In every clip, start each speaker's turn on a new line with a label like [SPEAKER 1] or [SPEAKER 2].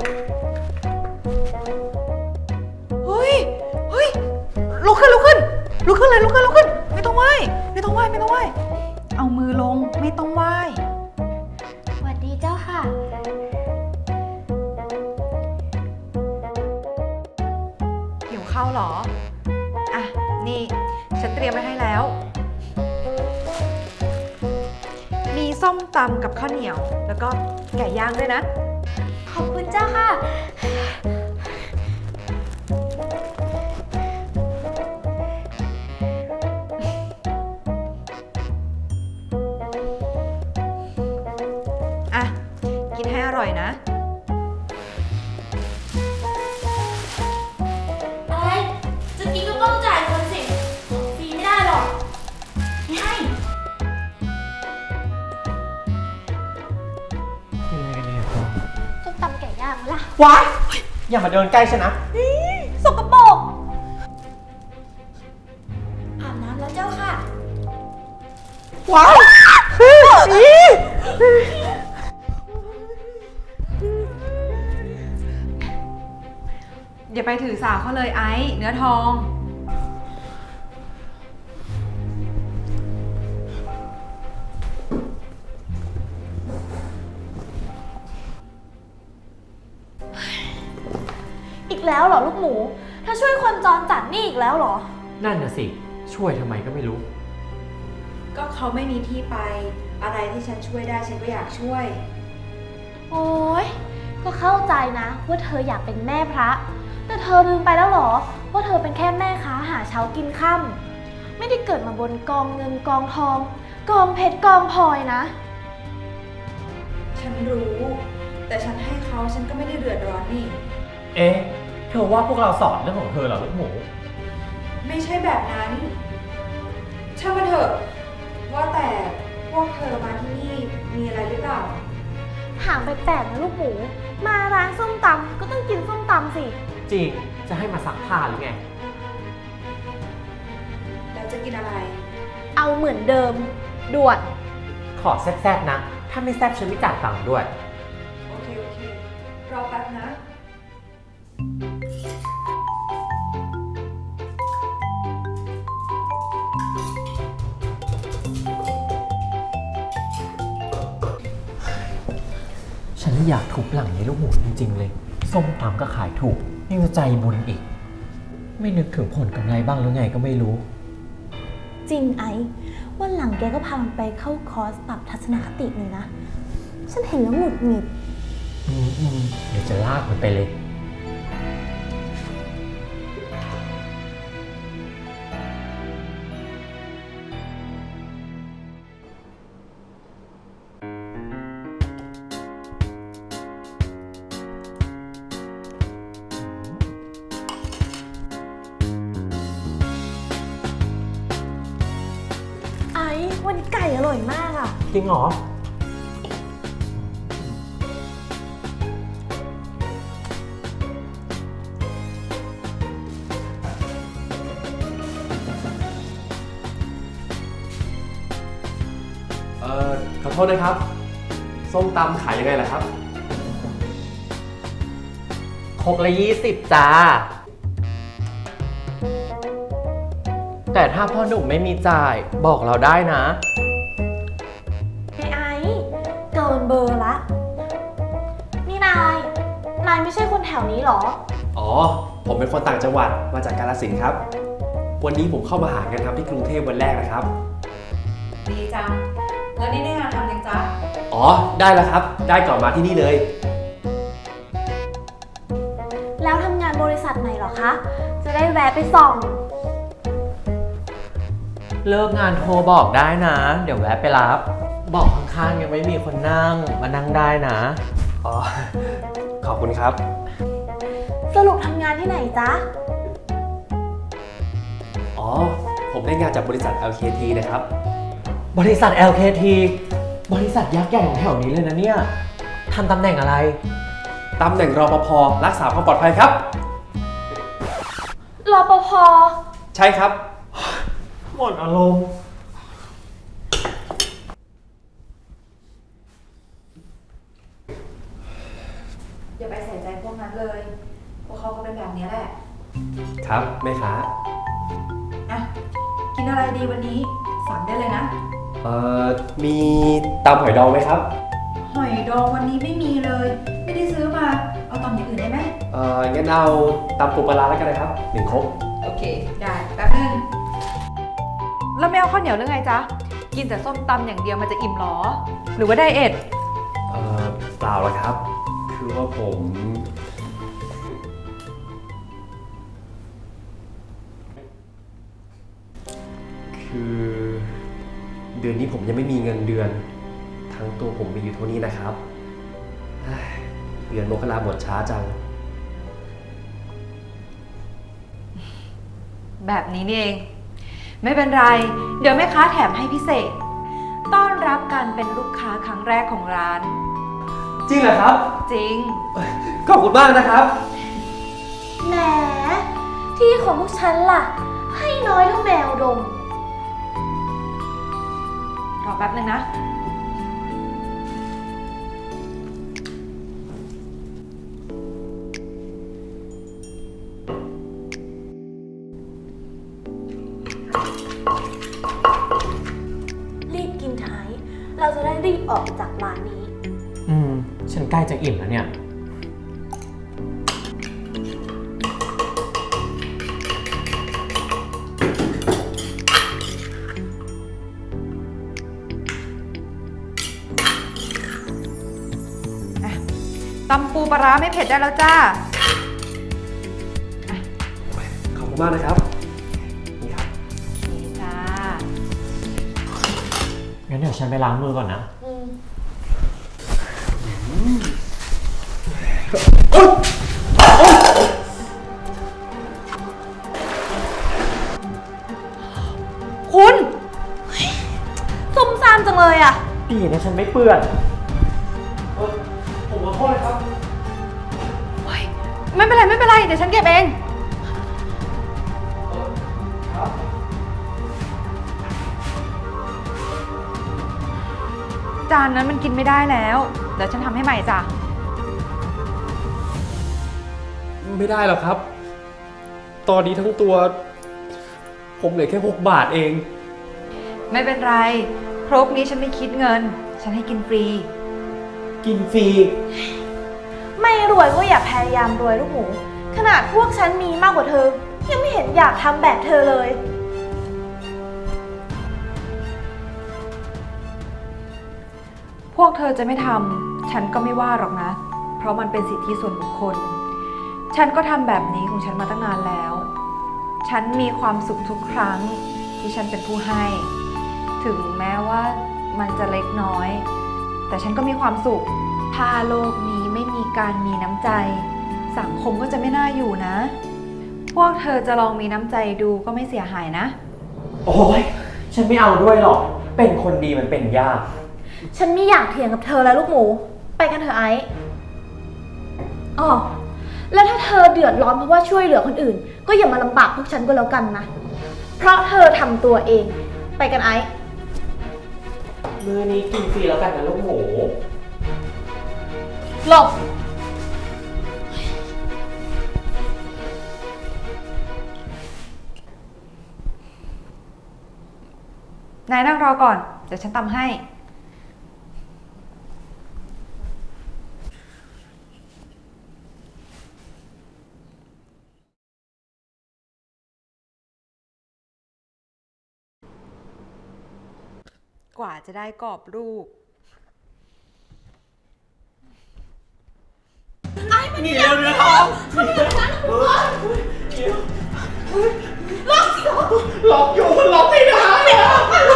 [SPEAKER 1] เฮ้ยลุกขึ้นเลยลุกขึ้นไม่ต้องไหว้เอามือลงไม่ต้องไหว้
[SPEAKER 2] สวัสดีเจ้าค่ะ
[SPEAKER 1] หิวข้าวเหรออ่ะนี่ฉันเตรียมไว้ให้แล้วมีส้มตำกับข้าวเหนียวแล้วก็ไก่ย่างด้วยนะ
[SPEAKER 2] ขอบคุณเจ้าค่ะ
[SPEAKER 1] อ่ะกินให้อร่อยนะ
[SPEAKER 2] อะไร จะกินก็ต้องจ่ายเงินสิฟรีไม่ได้หรอกไม่ให้
[SPEAKER 3] กินอะไรกันเนี่ย
[SPEAKER 2] ส้มตำไก่ย่างล่ะ
[SPEAKER 3] ว้ายอย่ามาเดินใกล้ฉันนะ
[SPEAKER 2] สกปรกอาบน้ำแล้วเจ้าค่ะ
[SPEAKER 3] ว้าย
[SPEAKER 1] อย่าไปถือสาเขาเลยไอ้เนื้อทอง
[SPEAKER 2] อีกแล้วเหรอลูกหมู ถ้าช่วยคนจรจัดนี่อีกแล้วเหรอ
[SPEAKER 3] นั่นน่ะสิ ช่วยทำไมก็ไม่รู้
[SPEAKER 1] ก็เขาไม่มีที่ไปอะไรที่ฉันช่วยได้ฉันก็อยากช่วย
[SPEAKER 2] โอ๊ย ก็เข้าใจนะว่าเธออยากเป็นแม่พระ แต่เธอลืมไปแล้วเหรอ ว่าเธอเป็นแค่แม่ค้าหาเช้ากินค่ำไม่ได้เกิดมาบนกองเงินกองทอง กองเพชรกองพลอยนะ
[SPEAKER 1] ฉันรู้ แต่ฉันให้เขาฉันก็ไม่ได้เดือดร้อนนี่
[SPEAKER 3] เอ๊ะ เธอว่าพวกเราสอนเรื่องของเธอเหรอลูกหมู
[SPEAKER 1] ไม่ใช่แบบนั้นช่างมันเถอะว่าแต่พวกเธอมาที่นี่มีอะไรหรือเปล่า
[SPEAKER 2] ถามแปลกๆนะลูกหมู มาร้านส้มตำก็ต้องกินส้มตำสิ
[SPEAKER 3] จริง จะให้มาซักผ้าหรือไง
[SPEAKER 1] แล้วจะกินอะไร
[SPEAKER 2] เอาเหมือนเดิมด่วน
[SPEAKER 3] ขอแซ่บๆนะ ถ้าไม่แซ่บฉันไม่จ่ายตังค์ด้วย
[SPEAKER 1] โอเครอแป๊บนะ
[SPEAKER 3] ฉันอยากทุบหลังในลูกหมูจริงๆเลย ส้มตำก็ขายถูกยังจะใจบุญอีก ไม่นึกถึงผลกำไรบ้างหรือไงก็ไม่รู้
[SPEAKER 2] จริงไอ้วันหลังแกก็พามันไปเข้าคอร์สปรับทัศนคติเลยนะ ฉันเห็นแล้วหงุดหงิด
[SPEAKER 3] เดี๋ยวจะลากมันไปเลย
[SPEAKER 2] ไอ้วันนี้ไก่อร่อยมากอ่ะ
[SPEAKER 3] จริงเหรอ
[SPEAKER 4] ขอโทษนะครับ ส้มตำขายยังไงล่ะครับ
[SPEAKER 3] ครกละ20จ้า แต่ถ้าพ่อหนุ่มไม่มีจ่ายบอกเราได้นะ
[SPEAKER 2] ไอ้เกินเบอร์ละ นี่นายไม่ใช่คนแถวนี้หรอ
[SPEAKER 4] อ๋อ ผมเป็นคนต่างจังหวัดมาจากกาฬสินธุ์ครับ วันนี้ผมเข้ามาหางานทำที่กรุงเทพวันแรกนะครับ
[SPEAKER 1] ดีจัง แล้วนี่ได้งานทำยังจ๊ะ
[SPEAKER 4] อ๋อ ได้แล้วครับ ได้ก่อนมาที่นี่เลย
[SPEAKER 2] แล้วทำงานบริษัทไหนหรอคะ จะได้แวะไปส่อง
[SPEAKER 3] เลิกงานโทรบอกได้นะ เดี๋ยวแวะไปรับ บอกข้างๆยังไม่มีคนนั่งมานั่งได้นะ
[SPEAKER 4] อ๋อ ขอบคุณครับ
[SPEAKER 2] สรุปทำงานที่ไหนจ๊ะ
[SPEAKER 4] อ๋อ ผมได้งานจากบริษัท LKT นะครับ
[SPEAKER 3] บริษัท LKT บริษัทยักษ์ใหญ่ของแถวนี้เลยนะเนี่ยทำตำแหน่งอะไร
[SPEAKER 4] ตำแหน่งรปภรักษาความปลอดภัยครับ
[SPEAKER 2] รปภ
[SPEAKER 4] ใช่ครับ
[SPEAKER 3] หมดอารมณ์
[SPEAKER 1] อย่าไปใส่ใจพวกนั้นเลย พวกเขาก็เป็นแบบนี้แหละ
[SPEAKER 4] ครับแม่ค้า
[SPEAKER 1] อ่ะ กินอะไรดีวันนี้ สั่งได้เลยนะ
[SPEAKER 4] มีตำหอยดองไหมครับ
[SPEAKER 1] หอยดองวันนี้ไม่มีเลย ไม่ได้ซื้อมา เอาตำอย่างอื่นได้ไหม
[SPEAKER 4] งั้นเอาตำปูปลาร้าแล้วกันนะครับ1 ครก
[SPEAKER 1] โอเค ได้แป๊บนึงแล้วไม่เอาข้าวเหนียวหรือไงจ๊ะ กินแต่ส้มตำอย่างเดียวมันจะอิ่มหรอ หรือว่าไดเอท
[SPEAKER 4] เปล่าหรอกครับ คือว่าผม คือเดือนนี้ผมยังไม่มีเงินเดือน ทั้งตัวผมมีอยู่เท่านี้นะครับเฮ้ยเดือนมกราหมดช้าจัง
[SPEAKER 1] แบบนี้นี่เอง ไม่เป็นไร เดี๋ยวแม่ค้าแถมให้พิเศษ ต้อนรับการเป็นลูกค้าครั้งแรกของร้าน
[SPEAKER 4] จริงเหรอครับ
[SPEAKER 1] จริง
[SPEAKER 4] ขอบคุณมากนะครับ
[SPEAKER 2] แหม ที่ของพวกฉันล่ะ ให้น้อยเท่าแมวดม
[SPEAKER 1] รอแป๊บนึงนะ
[SPEAKER 2] รีบกินไทย เราจะได้รีบออกจากร้านนี้
[SPEAKER 3] ฉันใกล้จะอิ่มแล้วเนี่ย
[SPEAKER 1] ตำปูปลาร้าไม่เผ็ดได้แล้วจ้า
[SPEAKER 4] ขอบคุณมากนะครับ นี่ครับ
[SPEAKER 1] โอเคจ้า
[SPEAKER 3] งั้นเดี๋ยวฉันไปล้างมือก่อนนะ
[SPEAKER 1] คุณ
[SPEAKER 2] ซุ่มซ่ามจังเลยอ่ะ
[SPEAKER 3] ดีนะฉันไม่เปื้อน
[SPEAKER 4] ผมขอโทษนะครับ
[SPEAKER 1] ไม่เป็นไรไม่เป็นไร เดี๋ยวฉันเก็บเอง
[SPEAKER 4] ครับ
[SPEAKER 1] จานนั้นมันกินไม่ได้แล้ว เดี๋ยวฉันทำให้ใหม่จ้ะ
[SPEAKER 4] ไม่ได้หรอกครับ ตอนนี้ทั้งตัว ผมเหลือแค่6 บาทเอง
[SPEAKER 1] ไม่เป็นไร ครกนี้ฉันไม่คิดเงิน ฉันให้กินฟรี
[SPEAKER 3] กินฟรี
[SPEAKER 2] ไม่รวยก็อย่าพยายามรวยลูกหมู ขนาดพวกฉันมีมากกว่าเธอ ยังไม่เห็นอยากทำแบบเธอเลย
[SPEAKER 1] พวกเธอจะไม่ทำ ฉันก็ไม่ว่าหรอกนะ เพราะมันเป็นสิทธิส่วนบุคคล ฉันก็ทำแบบนี้ของฉันมาตั้งนานแล้ว ฉันมีความสุขทุกครั้งที่ฉันเป็นผู้ให้ ถึงแม้ว่ามันจะเล็กน้อย แต่ฉันก็มีความสุข ถ้าโลกนี้ไม่มีการมีน้ำใจ สังคมก็จะไม่น่าอยู่นะ พวกเธอจะลองมีน้ำใจดูก็ไม่เสียหายนะ
[SPEAKER 3] โอ้ยฉันไม่เอาด้วยหรอก เป็นคนดีมันเป็นยาก
[SPEAKER 2] ฉันไม่อยากเถียงกับเธอแล้วลูกหมู ไปกันเถอะไอ้อ๋อแล้วถ้าเธอเดือดร้อนเพราะว่าช่วยเหลือคนอื่น ก็อย่ามาลำบากพวกฉันก็แล้วกันนะ เพราะเธอทำตัวเอง ไปกันไอ้
[SPEAKER 3] มื้อนี้กินฟรีแล้วกันนะลูกหมู
[SPEAKER 2] หลบ
[SPEAKER 1] นายนั่งรอก่อน เดี๋ยวฉันตำให้ กว่าจะได้กรอบรูป
[SPEAKER 3] นี่เร็วเนื้อทองล็อกอยู่มันล็อกไม่ได้อะ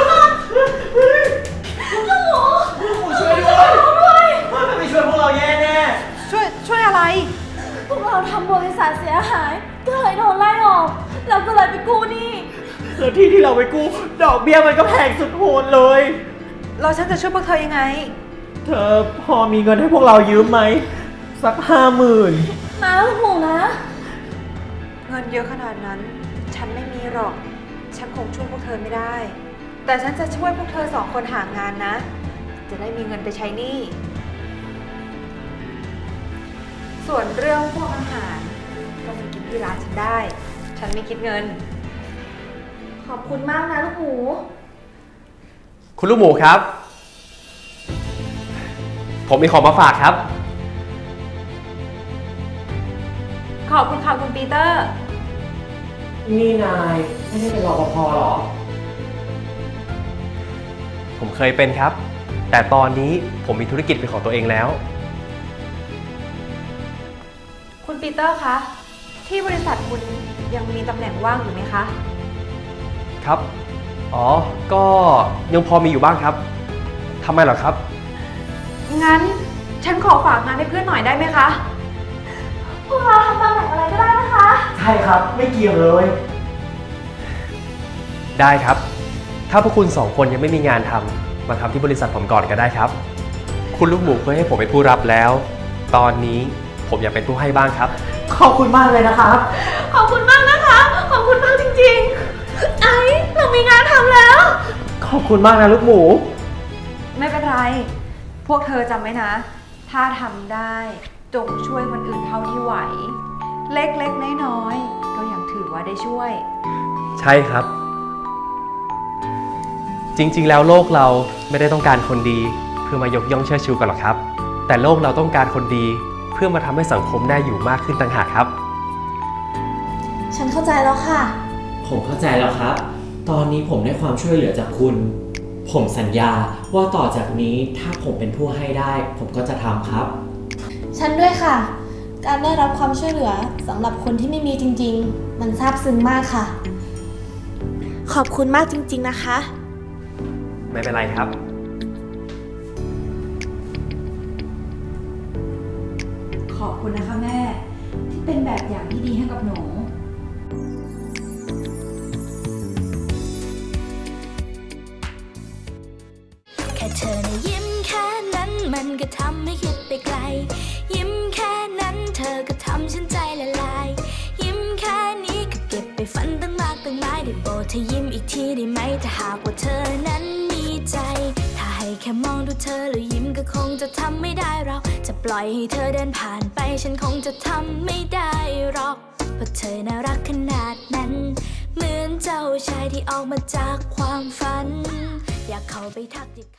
[SPEAKER 3] ช่วยด้วยถ้าไม่ช่วยพวกเราแย่แน่
[SPEAKER 1] ช่วยอะไร
[SPEAKER 2] พวกเราทำบริษัทเสียหาย ก็เลยโดนไล่ออก แล้วก็เลยไปกู้หนี้
[SPEAKER 3] แล้วที่เราไปกู้ดอกเบี้ยมันก็แพงสุดโหดเลย
[SPEAKER 1] เราฉันจะช่วยพวกเธอยังไง
[SPEAKER 3] เธอพอมีเงินให้พวกเรายืมไหม สัก50,000
[SPEAKER 2] นะลูกหมูนะ
[SPEAKER 1] เงินเยอะขนาดนั้น ฉันไม่มีหรอก ฉันคงช่วยพวกเธอไม่ได้ แต่ฉันจะช่วยพวกเธอ2 คนหางานนะ จะได้มีเงินไปใช้หนี้ส่วนเรื่องพวกอาหารก็มากินที่ร้านฉันได้ ฉันไม่คิดเงิน
[SPEAKER 2] ขอบคุณมากนะลูกหมู
[SPEAKER 4] คุณลูกหมูครับ ผมมีของมาฝากครับ
[SPEAKER 1] ขอบคุณค่ะคุณปีเตอร์
[SPEAKER 3] นี่นายไม่ได้เป็นรปภหรอ
[SPEAKER 4] ผมเคยเป็นครับ แต่ตอนนี้ผมมีธุรกิจเป็นของตัวเองแล้ว
[SPEAKER 1] คุณปีเตอร์คะ ที่บริษัทคุณยังมีตำแหน่งว่างอยู่ไหมคะ
[SPEAKER 4] ครับ อ๋อ ก็ยังพอมีอยู่บ้างครับทำไมเหรอครับ
[SPEAKER 1] งั้นฉันขอฝากงานให้เพื่อนหน่อยได้ไหมคะ
[SPEAKER 2] พวกเราทำตำแหน่งอะไรก็ได้นะคะ
[SPEAKER 3] ใช่ครับ ไม่เกี่ยวเลย
[SPEAKER 4] ได้ครับ ถ้าพวกคุณสองคนยังไม่มีงานทำมาทำที่บริษัทผมก่อนก็ได้ครับ คุณลูกหมูเคยให้ผมเป็นผู้รับแล้ว ตอนนี้ผมอยากเป็นผู้ให้บ้างครับ
[SPEAKER 3] ขอบคุณมากเลยนะครับ
[SPEAKER 2] ขอบคุณมากนะคะ ขอบคุณมากจริงๆ ไอ้เรามีงานทำแล้ว
[SPEAKER 3] ขอบคุณมากนะลูกหมู
[SPEAKER 1] ไม่เป็นไร พวกเธอจำไว้นะ ถ้าทำได้จงช่วยคนอื่นเท่าที่ไหว เล็กๆน้อยๆก็ยังถือว่าได้ช่วย
[SPEAKER 4] ใช่ครับ จริงๆ แล้วโลกเราไม่ได้ต้องการคนดี เพื่อมายกย่องเชิดชูกันหรอกครับ แต่โลกเราต้องการคนดี เพื่อมาทำให้สังคมได้อยู่มากขึ้นต่างหากครับ
[SPEAKER 2] ฉันเข้าใจแล้วค่ะ
[SPEAKER 3] ผมเข้าใจแล้วครับ ตอนนี้ผมได้ความช่วยเหลือจากคุณ ผมสัญญาว่าต่อจากนี้ถ้าผมเป็นผู้ให้ได้ ผมก็จะทำครับ
[SPEAKER 2] ฉันด้วยค่ะ การได้รับความช่วยเหลือสำหรับคนที่ไม่มีจริงๆ มันซาบซึ้งมากค่ะ ขอบคุณมากจริงๆนะคะ
[SPEAKER 4] ไม่เป็นไรครับ
[SPEAKER 1] ขอบคุณนะคะแม่ ที่เป็นแบบอย่างที่ดีให้กับหนู
[SPEAKER 5] แค่เธอนะยิ้มแค่นั้นมันก็ทำให้คิดไปไกล ยิ้มแค่นั้นเธอก็ทำฉันใจละลาย ยิ้มแค่นี้ก็เก็บไปฝันตั้งมากตั้งหลายได้โปรดเธอยิ้มอีกทีได้ไหมถ้าหากว่าเธอนั้นมีใจ ถ้าให้แค่มองดูเธอแล้วยิ้มก็คงจะทำไม่ได้เราจะปล่อยให้เธอเดินผ่านไปฉันคงจะทำไม่ได้หรอกเพราะเธอน่ารักขนาดนั้น เหมือนเจ้าชายที่ออกมาจากความฝัน อยากเข้าไปทักทิ